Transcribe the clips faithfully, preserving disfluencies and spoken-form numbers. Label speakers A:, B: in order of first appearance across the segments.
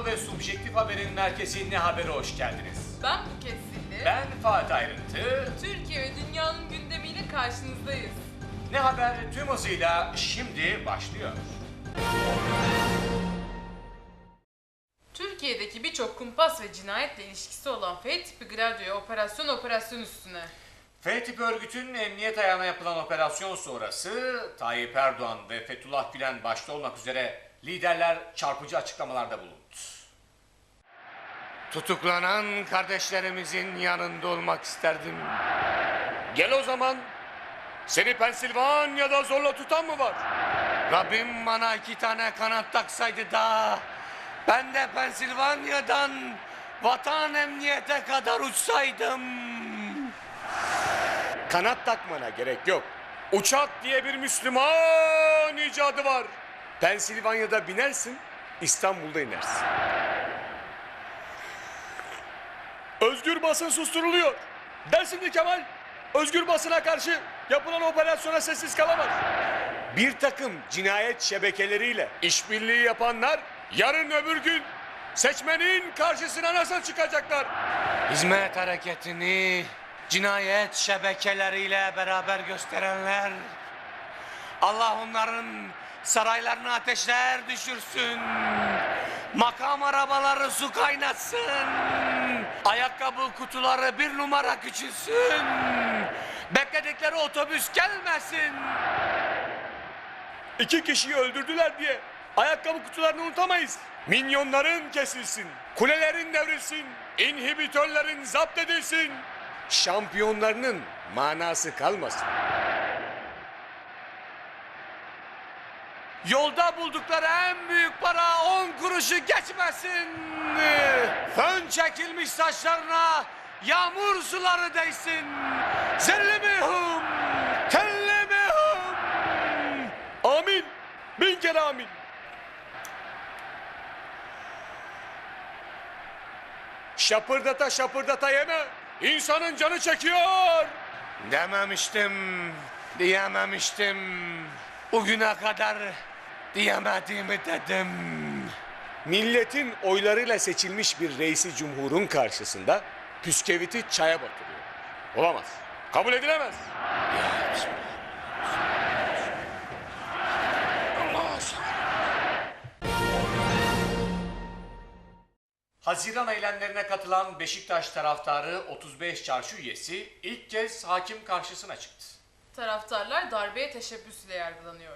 A: Anlamlı ve subjektif haberin merkezi Ne Haber'e hoş geldiniz.
B: Ben Buket Silli.
A: Ben Fatih Ayrıntı.
B: Türkiye ve dünyanın gündemiyle karşınızdayız.
A: Ne Haber tüm hızıyla şimdi başlıyor.
B: Türkiye'deki birçok kumpas ve cinayetle ilişkisi olan F tipi Gladio'ya operasyon operasyon üstüne.
A: F tipi örgütün emniyet ayağına yapılan operasyon sonrası Tayyip Erdoğan ve Fethullah Gülen başta olmak üzere liderler çarpıcı açıklamalarda bulundu. Tutuklanan kardeşlerimizin yanında olmak isterdim.
C: Gel o zaman. Seni Pensilvanya'da zorla tutan mı var?
A: Rabbim bana iki tane kanat taksaydı da ben de Pensilvanya'dan vatan emniyete kadar uçsaydım.
C: Kanat takmana gerek yok. Uçak diye bir Müslüman icadı var. Pensilvanya'da binersin, İstanbul'da inersin. Özgür basın susturuluyor. Dersimli Kemal, özgür basına karşı yapılan operasyona sessiz kalamaz. Bir takım cinayet şebekeleriyle işbirliği yapanlar yarın öbür gün seçmenin karşısına nasıl çıkacaklar?
A: Hizmet hareketini cinayet şebekeleriyle beraber gösterenler, Allah onların saraylarına ateşler düşürsün, makam arabaları su kaynatsın, ayakkabı kutuları bir numara küçülsün, bekledikleri otobüs gelmesin.
C: İki kişiyi öldürdüler diye ayakkabı kutularını unutamayız. Minyonların kesilsin, kulelerin devrilsin, inhibitörlerin zapt edilsin. Şampiyonlarının manası kalmasın.
A: Yolda buldukları en büyük para on kuruşu geçmesin. Fön çekilmiş saçlarına yağmur suları değsin. Zerli mihum, telli mihum.
C: Amin, bin kere amin. Şapırdata şapırdata yeme. İnsanın canı çekiyor.
A: Dememiştim, diyememiştim. Bugüne kadar diyemediğimi dedim.
C: Milletin oylarıyla seçilmiş bir reisi cumhurun karşısında püskeviti çaya batırıyor. Olamaz. Kabul edilemez.
A: Ya Bismillah. Allah Haziran eylemlerine katılan Beşiktaş taraftarı otuz beş çarşı üyesi ilk kez hakim karşısına çıktı.
B: Taraftarlar darbeye teşebbüsle yargılanıyor.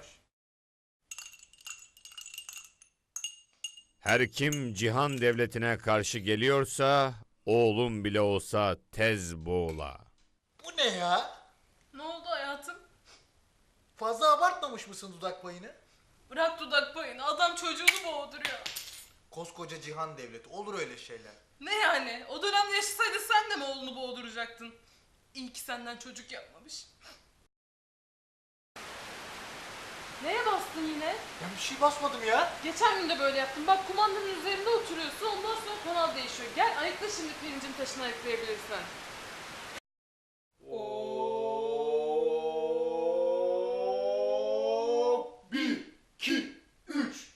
D: Her kim cihan devletine karşı geliyorsa, oğlum bile olsa tez boğula.
E: Bu ne ya?
B: Ne oldu hayatım?
E: Fazla abartmamış mısın dudak payını?
B: Bırak dudak payını, adam çocuğunu boğduruyor.
E: Koskoca cihan devleti, olur öyle şeyler.
B: Ne yani? O dönemde yaşasaydı sen de mi oğlunu boğduracaktın? İyi ki senden çocuk yapmamış. Neye bastın yine?
E: Ya bir şey basmadım ya.
B: Geçen gün de böyle yaptın. Bak kumandanın üzerinde oturuyorsun, ondan sonra kanal değişiyor. Gel ayıkla şimdi pirincin taşını ayıklayabilirsen.
E: Bir, iki, üç.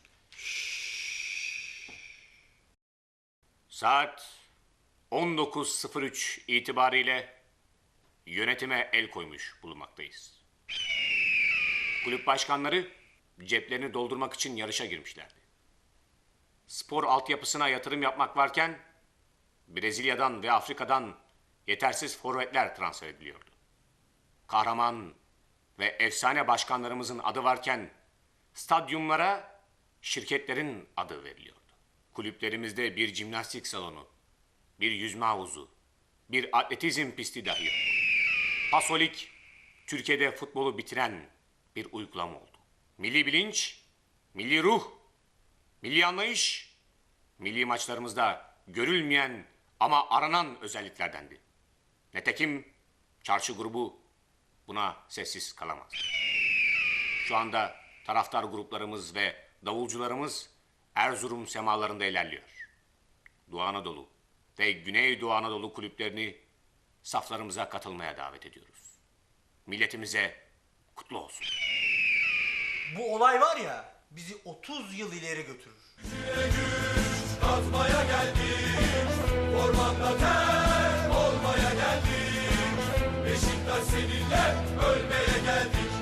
A: Saat on dokuz sıfır üç itibariyle yönetime el koymuş bulunmaktayız. Kulüp başkanları ceplerini doldurmak için yarışa girmişlerdi. Spor altyapısına yatırım yapmak varken Brezilya'dan ve Afrika'dan yetersiz forvetler transfer ediliyordu. Kahraman ve efsane başkanlarımızın adı varken stadyumlara şirketlerin adı veriliyordu. Kulüplerimizde bir jimnastik salonu, bir yüzme havuzu, bir atletizm pisti dahi yok. Pasolik, Türkiye'de futbolu bitiren bir uygulama oldu. Milli bilinç, milli ruh, milli anlayış, milli maçlarımızda görülmeyen ama aranan özelliklerdendi. Nitekim çarşı grubu buna sessiz kalamaz. Şu anda taraftar gruplarımız ve davulcularımız Erzurum semalarında ilerliyor. Doğu Anadolu ve Güneydoğu Anadolu kulüplerini saflarımıza katılmaya davet ediyoruz. Milletimize kutlu olsun.
E: Bu olay var ya, bizi otuz yıl ileri götürür.
C: atmaya geldik, ormanda ter olmaya geldik. Beşiktaş seninle ölmeye geldik.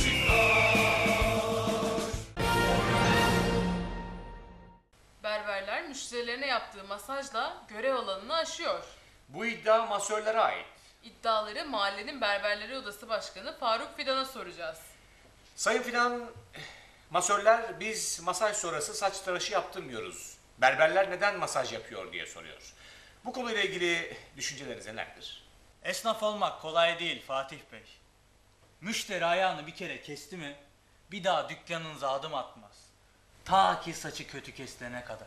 B: Berberler müşterilerine yaptığı masajla görev alanını aşıyor.
A: Bu iddia masörlere ait.
B: İddiaları mahallenin berberleri odası başkanı Faruk Fidan'a soracağız.
A: Sayın Fidan, masörler biz masaj sonrası saç tıraşı yaptırmıyoruz. Berberler neden masaj yapıyor diye soruyor. Bu konuyla ilgili düşünceleriniz nelerdir?
F: Esnaf olmak kolay değil Fatih Bey. Müşteri ayağını bir kere kesti mi bir daha dükkanınıza adım atmaz. Ta ki saçı kötü kestirene kadar.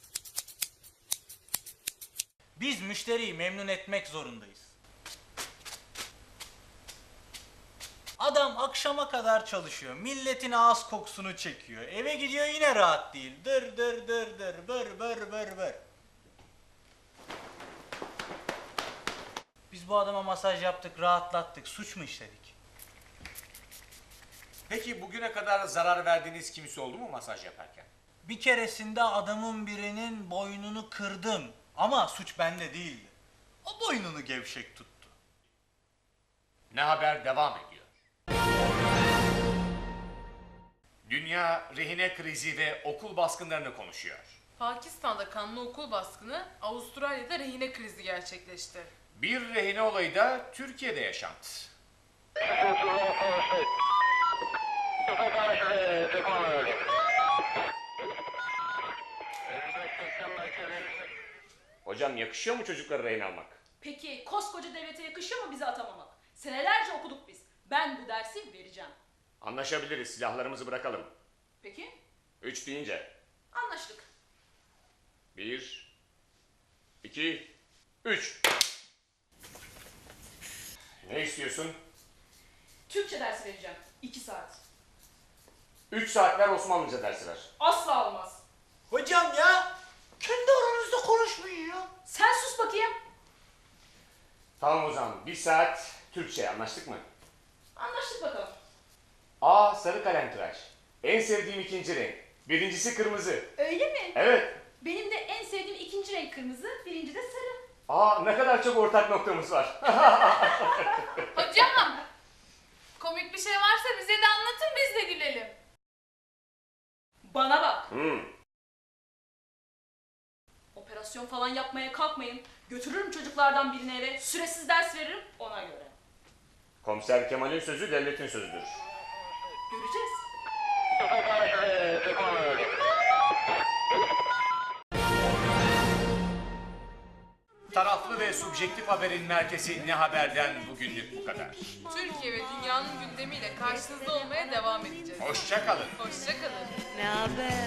F: Biz müşteriyi memnun etmek zorundayız. Adam akşama kadar çalışıyor. Milletin ağız kokusunu çekiyor. Eve gidiyor yine rahat değil. Dır dır dır dır bır bır bır bır. Biz bu adama masaj yaptık, rahatlattık. Suç mu işledik?
A: Peki bugüne kadar zarar verdiğiniz kimse oldu mu masaj yaparken?
F: Bir keresinde adamın birinin boynunu kırdım. Ama suç bende değildi. O boynunu gevşek tuttu.
A: Ne haber devam ediyor. Dünya rehine krizi ve okul baskınlarını konuşuyor.
B: Pakistan'da kanlı okul baskını, Avustralya'da rehine krizi gerçekleşti.
A: Bir rehine olayı da Türkiye'de yaşandı. Hocam yakışıyor mu çocukları rehin almak?
G: Peki koskoca devlete yakışıyor mu bizi atamamak? Senelerce okuduk biz. Ben bu dersi vereceğim.
A: Anlaşabiliriz, silahlarımızı bırakalım.
G: Peki?
A: Üç deyince.
G: Anlaştık.
A: Bir, iki, üç. Ne istiyorsun?
G: Türkçe dersi vereceğim. İki saat.
A: Üç saatler Osmanlıca dersi ver.
G: Asla olmaz.
F: Hocam ya, kendi aranızda konuşmayın ya.
G: Sen sus bakayım.
A: Tamam o zaman, bir saat Türkçe, anlaştık mı?
G: Anlaştık bakalım.
A: Aa, sarı kalem tıraş. En sevdiğim ikinci renk. Birincisi kırmızı.
G: Öyle mi?
A: Evet.
G: Benim de en sevdiğim ikinci renk kırmızı, birinci de sarı.
A: Aa, ne kadar çok ortak noktamız var.
B: Hocam! Komik bir şey varsa bize de anlatın, biz de gülelim.
G: Bana bak.
A: Hmm.
G: Operasyon falan yapmaya kalkmayın. Götürürüm çocuklardan birini eve. Süresiz ders veririm ona göre.
A: Komiser Kemal'in sözü devletin sözüdür.
G: Göreceğiz.
A: Taraflı ve subjektif haberin merkezi Ne Haber'den bugünlük bu kadar.
B: Türkiye ve dünyanın gündemiyle karşınızda olmaya devam edeceğiz.
A: Hoşça kalın.
B: Hoşça kalın.
H: Ne haber?